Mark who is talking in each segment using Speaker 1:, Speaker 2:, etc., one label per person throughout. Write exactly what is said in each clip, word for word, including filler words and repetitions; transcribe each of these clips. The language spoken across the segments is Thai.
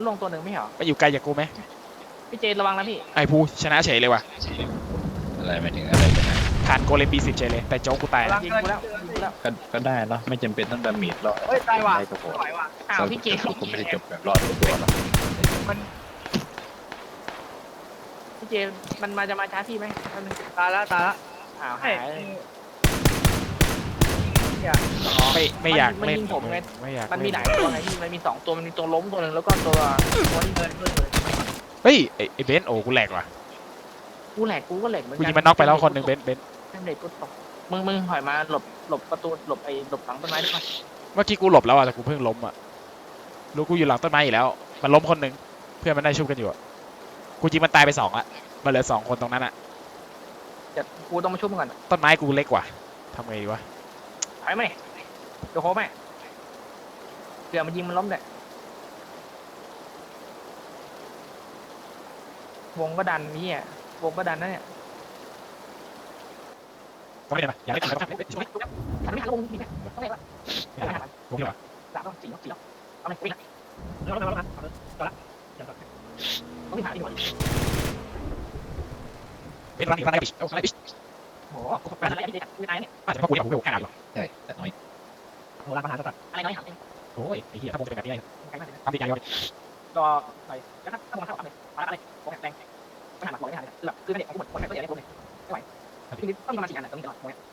Speaker 1: ลงตัวหนึ่งไม่เหรอ
Speaker 2: ไปอยู่ไกลจากกูไหม
Speaker 1: พี่เจระวังนะพี่
Speaker 2: ไอ้ภูชนะเฉยเลยว่ะ
Speaker 3: อะไรไม่ถึงอะไรกันนะ
Speaker 2: ผ่านโกเลมบีสิบเฉยเลยแต่โจ๊กกูตาย
Speaker 1: ยิงกูแล้วยิงกูแล้ว
Speaker 3: ก็ก็ได้เนาะไม่จำเป็นต้องดาเมจรอด
Speaker 1: เฮ้ยตายว่ะ
Speaker 3: ได้ก็พอ
Speaker 1: ไหวว่ะอ้าวพี่เจ
Speaker 3: ผมไม่ได้จบแบบรอดทุกตัวหรอก
Speaker 1: มันพี่เจมันมาจะมาช้าพี่ไหมตายแล้วตายแล้วอ้าวหาย
Speaker 2: ไม่ไม่อยาก
Speaker 1: มัน
Speaker 2: เล่น
Speaker 1: ยิงผมไง
Speaker 2: ไม่อยาก
Speaker 1: มันมีหลายตัวไงพี่มันมีสองตัวมันมีตัวล้มตัวหนึ่งแล้วก็ตัวตัวที่เดินด้วยเลย
Speaker 2: เฮ้ยไอ้ไอ้เบนซ์โอ้กูแหลกว่ะ
Speaker 1: กูแหลกกูก็แหลกเหมือน
Speaker 2: กู
Speaker 1: กั
Speaker 2: ยิงมันน็อกไปแล้วคนหนึ่งเบนซ์เบนซ์
Speaker 1: แม่งเด็กกูตกมึงมึงถอยมาหลบหลบประตูหลบไอ้หลบหลังต้นไม้ได้ไหม
Speaker 2: เมื่อกี้กูหลบแล้วอ่ะแต่กูเพิ่งล้มอ่ะรู้กูอยู่หลังต้นไม้อีกแล้วมันล้มคนหนึ่งเพื่อนมันได้ชุบกันอยู่อ่ะกูยิงมันตายไปสองอ่ะมันเหลือสองคนตรงนั้นอ่ะ
Speaker 1: เดี๋ยวกูต้องมาช่วยมึงก่อน
Speaker 2: ต้นไม้กูเล็กกว่าทำไงดีวะ
Speaker 1: ถอยไหมเดี๋ยวโค้งไหมเดี๋ยวมันยิงมันล้มเลยวงก็ดันนี่อ่ะวงก็ดันนะเนี่ย
Speaker 2: ก็ไม่ได้ปะอยากเล่นอะไรก็ทำ
Speaker 1: ฉันไม่ทันลงนี่ต้องไงวะ
Speaker 2: ผมคิดว่า
Speaker 1: สามต้องสี่ต้องสี่ต้องเอาไหมวิ่งแล้วแล้วแล้วแล้วต่อละต้องวิ่งหาดีกว่า
Speaker 2: เป็นรันอีกรันได้ปิชเอารันได้ปิช
Speaker 1: โอ้โหมันอะไรไม่ได้ไม่ได้เนี่ย
Speaker 2: อาจจะเพราะกูอยากผมไปโอ้แค่ไหนหรอ
Speaker 3: ใช่แต่น้อย
Speaker 1: โหราคาหาสัตว์อะไรน้อยหาเอง
Speaker 2: โอ้ยไอ้เหี้ยถ้าผมจะเป็นแบบนี้
Speaker 1: ใครมากเลย
Speaker 2: ทำดีใจเลย
Speaker 1: รอหน่อยแล้วถ้าถ้ามองเข้าอะไรอะไรโอ้แรงไม่หันหลังมองไม่หันเลยแบบคือเนี่ยผมหมดคนไหนก็อย่างนี้ผมเลยไม่ไหวทีนี้ต้องประมาณสี่อันนะตรงนี้ตลอดมอง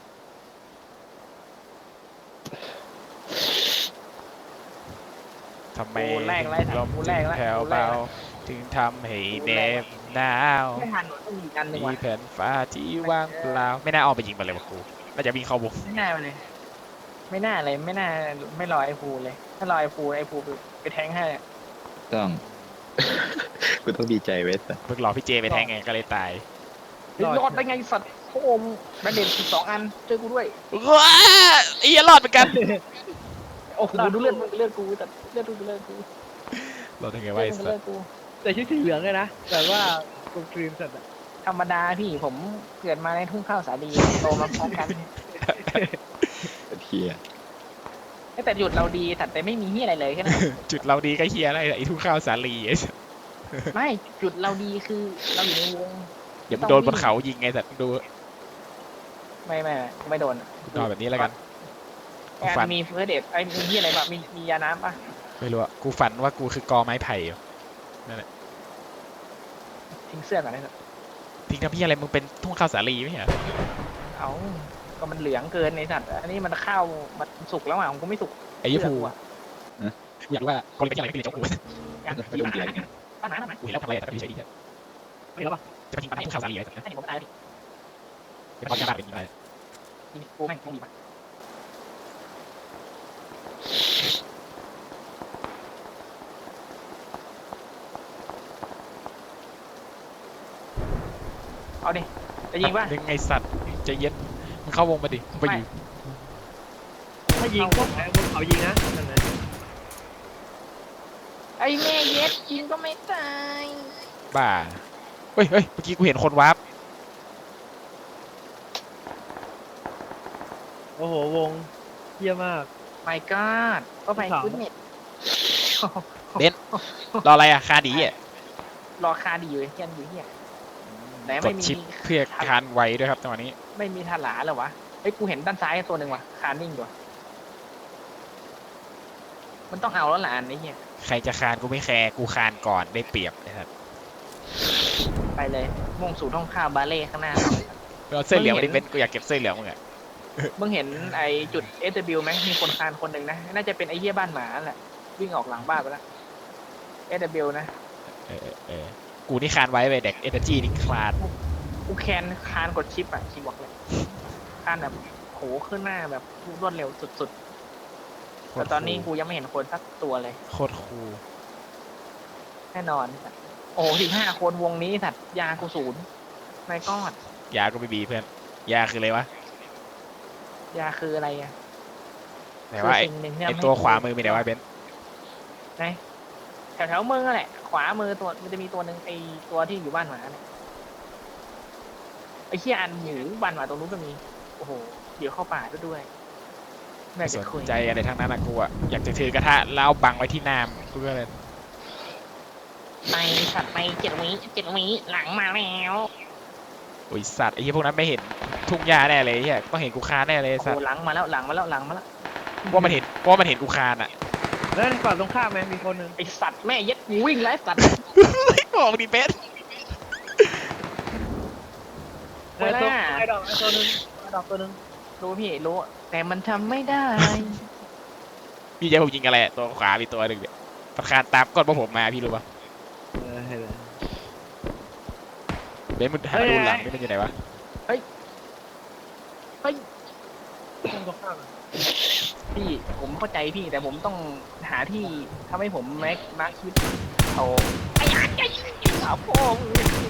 Speaker 2: ทำไมลมแผ่วเบาถึงทำให้เน็บหนาว
Speaker 1: ไม่ทันต้องมีอันหนึ่ง
Speaker 2: มี
Speaker 1: ว่ะ
Speaker 2: แผ่นฟ้าที่ว่างเปล่าไม่น่าออกไปยิงมันเลยวะครูน่าจะวิ่งเข้าวง
Speaker 1: ไม่น่าเลย ไม่น่าเลยไม่น่าไม่รอไอ้ฟูเลย ถ้ารอไอ้ฟูไอ้ฟูไปแทงให้
Speaker 3: ต้อง กูต้องดีใจเวส
Speaker 2: เพิ่งรอพี่เจไปแทงไงก็เลยตาย
Speaker 1: รอดได้ไงสัตว์โคมแบนเดนสองอันเจอกูด้วย
Speaker 2: ว้าไอ้เหี้ยรอดเหมือนกัน
Speaker 1: โอ้โหดูเลือดมึงเลือดกูแต่เลือดกูเลือดกู
Speaker 2: รอดยังไงวะไอ้สั
Speaker 1: เลือ
Speaker 2: ส
Speaker 1: ดกู
Speaker 4: แต่ชุดสีเหลืองเลยนะ แต่ว่ากูครีมสัตว์อะ
Speaker 1: ธรรมดาพี่ผมเกิดมาในทุ่งข้าวสาลีโตมาพร้อมกัน
Speaker 3: เทีย
Speaker 1: แต่หยุดเราดีแต่แต่ไม่มีที่อะไรเลยแค่นั้น
Speaker 2: จุดเราดีก็เฮียอะไรไอ้ทุ่งข้าวสาลีไอ้สัส
Speaker 1: ไม่จุดเราดีคือเราอยู่ในวง
Speaker 2: เดี๋ยวมึงโดนบนเขายิงไงสัตว์ดู
Speaker 1: ไม่ไม่ไม่โดน
Speaker 2: นอนแบบนี้แล้วกัน
Speaker 1: ฝันมีเฟอร์เดทไอ้มีที่อะไรบ้างมีมียาน้ำป่ะ
Speaker 2: ไม่รู้อะกูฝันว่ากูคือกอไม้ไผ่อยู่
Speaker 1: ทิ้งเสื้อก่อนนะ
Speaker 2: ทิ้งทำพี่อะไรมึงเป็นทุ่งข้าวสาลีไม่ใช่เหรอ
Speaker 1: เอาก็มันเหลืองเกินในสัตว์อันนี้มันข้าวมันสุกแล้วอ่ะผมก็ไม่สุก
Speaker 2: ไอ้ยี่ปู
Speaker 1: อ่ะ
Speaker 2: กูอยากรู้ว่าคนเป็นอะไรก็เป็นเจ้ากู
Speaker 3: ไปลงเกียร์ไง
Speaker 1: ป้าหนาหนา
Speaker 2: กูเห็นแล้วทำอะไรแต่ก็ดีใจดีแค่
Speaker 1: ไม่รู้ป่ะ
Speaker 2: จะมาทิ้งปัญหาทุ่งข้าวสาลีอะไรสัตว์
Speaker 1: ให้ผมตายดิ
Speaker 2: เป็นความยากเป็นยังไง
Speaker 1: กูแม่งคงดีป่ะเอาดิจะยิงป่ะ
Speaker 2: ดึงไอ้สัตว์ใจเย็นมึงเข้าวงมาดิมึงไปอยู่
Speaker 4: ถ้ายิงก็แพ้บนเขายิงนะนั่นเลย
Speaker 1: ไอ้แม่เย็ดยิงก็ไม่ตาย
Speaker 2: บ้าเฮ้ยเฮ้ยเมื่อกี้กูเห็นคนวาร์ป
Speaker 4: โอ้โหวงเยี่ยมาก
Speaker 1: ไม่กอดก็ไปคุณเน็ต
Speaker 2: รออะไรอะคาดีอะ
Speaker 1: รอคาดีอยู่เฮียนอยู่เฮียไหน
Speaker 2: ก
Speaker 1: ไม่
Speaker 2: ด
Speaker 1: มี
Speaker 2: ชิปเพื่อคานไวด้วยครับจังหวะนี้
Speaker 1: ไม่มีทาหลาเหรอวะเฮ้ยกูเห็นด้านซ้ายตัวหนึ่งว่ะคานิ่งอยู่มันต้องเอาแล้วล่ะอันนี้เฮีย
Speaker 2: ใครจะคานกูไม่แคร์กูคานก่อนได้เปรียบนะครับ
Speaker 1: ไปเลยมุ่งสู่ท้องข้าวบาเล่ข้างหน้า
Speaker 2: เอาเสื้อเหลืองมาดิเป็นกูอยากเก็บเสื้อเหลืองมึงอะ
Speaker 1: มึงเห็นไอจุด เอส ดับเบิลยู ไหมมีคนคานคนหนึ่งนะน่าจะเป็นไอเหี้ยบ้านหมาแหละวิ่งออกหลังบ้านไปแล้ว เอส ดับเบิลยู นะ
Speaker 2: เออเออเออกูนี่คานไว้ไปเด็กเอเนอร์จีนี่คลาน
Speaker 1: กูแคนคานกดชิปอ่ะคีย์บอร์ดเลยคานแบบโหขึ้นหน้าแบบรวดเร็วสุดๆแต่ตอนนี้กูยังไม่เห็นคนสักตัวเลย
Speaker 2: โคตรคูล
Speaker 1: แน่นอน โอ้สิบห้าคนวงนี้สัตว์ยากูศูนย์ไม่กอด
Speaker 2: ยาก็ไม่มีเพื่อนยาคืออะไรวะ
Speaker 1: ยาคืออะไรอ่ะ
Speaker 2: ไหนว่าไอ้
Speaker 1: คือสิ่งหนึ่งที่
Speaker 2: ไอ้
Speaker 1: ทำให้
Speaker 2: ตัวขวามือมีไหนวะเบนซ์
Speaker 1: ไหนแถวแถวๆมือแหละ ขวามือตัวมันจะมีตัวหนึ่งไอตัวที่อยู่บ้านหมาเนี่ยไอเชี่ยอันหมูบ้านหมาตรงนู้นก็มี โอ้โห เดี๋ยวเข้าป่าด้วยไม่
Speaker 2: ไม่
Speaker 1: อยาก
Speaker 2: ส
Speaker 1: จะ
Speaker 2: น
Speaker 1: คุย
Speaker 2: ใจอะไรทั้งนั้นนะกูอะอยากจะถือกระทะแล้วเอาบังไว้ที่น้ำกูก็เลย
Speaker 1: ไปสัตว์ไปเจ็ดวิเจ็ดวิหลังมาแล้ว
Speaker 2: โอ้ยสัตว์ไอ้เหี้ยพวกนั้นไม่เห็นทุ่งหญ้าแน่เลยไอ้เหี้ยต้องเห็นกูคานแน่เลยไอ้
Speaker 1: โอ้
Speaker 2: สัต
Speaker 1: โห
Speaker 2: ว์
Speaker 1: หลังมาแล้วหลังมาแล้วหลังมาแล้ว
Speaker 2: ว่ามันเห็นว่ามันเห็นกูคานอ่ะ
Speaker 4: แล้วในฝั่งตรงข้ามไหมมีคนหนึ่ง
Speaker 1: ไอสัตว์แม่เย็ดกูวิ่งไล่สัตว์
Speaker 2: บอกมึงดิเป็ด
Speaker 4: เออตัวไอ้ดอกไอ้ตัวหนึงไอ้ดอกตัวหนึง
Speaker 1: รู้พี่รู้แต่มันทำไม่ได้
Speaker 2: พี่ใจผมยิงอะไรอะตัวขวามีตัวหนึ่งเนี่ยมันคานตามก้นพวกผมมาพี่รู้ปะ
Speaker 4: เออเห็นเลย
Speaker 2: เบนมึงหาดูหลังนี่มันอยู่ไหนวะ
Speaker 4: ตรงตรงข้ามอะ
Speaker 1: พี่ผมเข้าใจพี่แต่ผมต้องหาที่ทำให้ผมแม็กมาร์คชีวิตโตไอ้ยันไอ้สาวโป้ง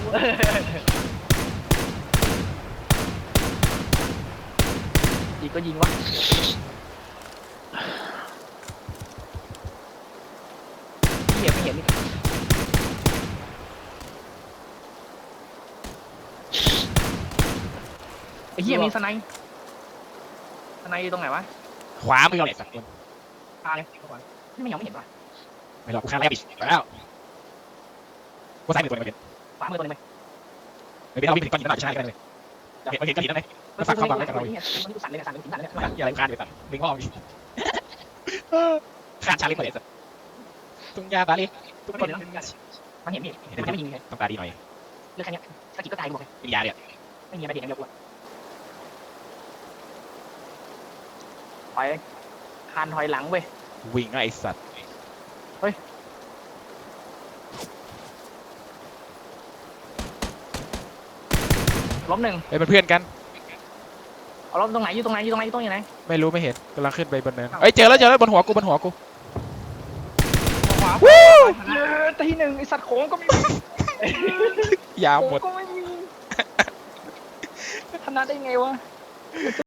Speaker 1: อีกก็ยิงวะพี่เห็นไม่เห็นนี่ไอ้เหี้ยมีสไนป์สไนป์อยู่ตรงไหนวะ
Speaker 2: ขวามือเลยสัตว์
Speaker 1: ตาเลยเข้าไปนี่มันยังไม่เห็นว่ะ
Speaker 2: ไม่หรอกกูคานแล้วอีกแล้วกูซ้ายมือตัวนึงเป็น
Speaker 1: ขวามือตัวนึงไหม
Speaker 2: ไม่เป็นเอาวิ่งถึงก้อนหินนั่นหน่อยใช่ไหมเลยเห็นมันเห็นก้อนหินนั่นไหม มันฝากความหวังไว้กับเราอีก
Speaker 1: มันสั่นเลยสั่นเลยสั่นเลย
Speaker 2: อย่าอะไรคานเลยสัตว์ดึงพ่อมีคานชาลิมาเลยสัตว์ตุ้งยาตาลีตุ้ง
Speaker 1: มัน
Speaker 2: คน
Speaker 1: เห็นมันเห็นพี่มันไม่ยิงเลย
Speaker 2: ต้องตาดีหน่อย
Speaker 1: เรื่องแค่นี้สกิลก็ตายหมดเลย
Speaker 2: กินยาเนี่ย
Speaker 1: ไม่มีอะไรเด็ดอย่างเดียวกูถอยคานถอยหลังเว้ย
Speaker 2: วิ่งไอ้สัตว์
Speaker 1: ล้มหนึ่ง
Speaker 2: เฮ้ยเป็นเพื่อนกัน
Speaker 1: เอาล้มตรงไหนอยู่ตรงไหนอยู่ตรงไหนอยู่ตรงไหน
Speaker 2: ไม่รู้ไม่เห็นกำลังขึ้นไปบนเนินเอ้ยเจอแล้วเจอแล้วบนหัวกูบนหัวกู
Speaker 1: ขวาเยอะทีหนึ่งไอสัตว์โค้งก็ไม่มี
Speaker 2: ยาว
Speaker 1: โค้ง
Speaker 2: หมด
Speaker 1: ก็ไม่มีชนะได้ไงวะ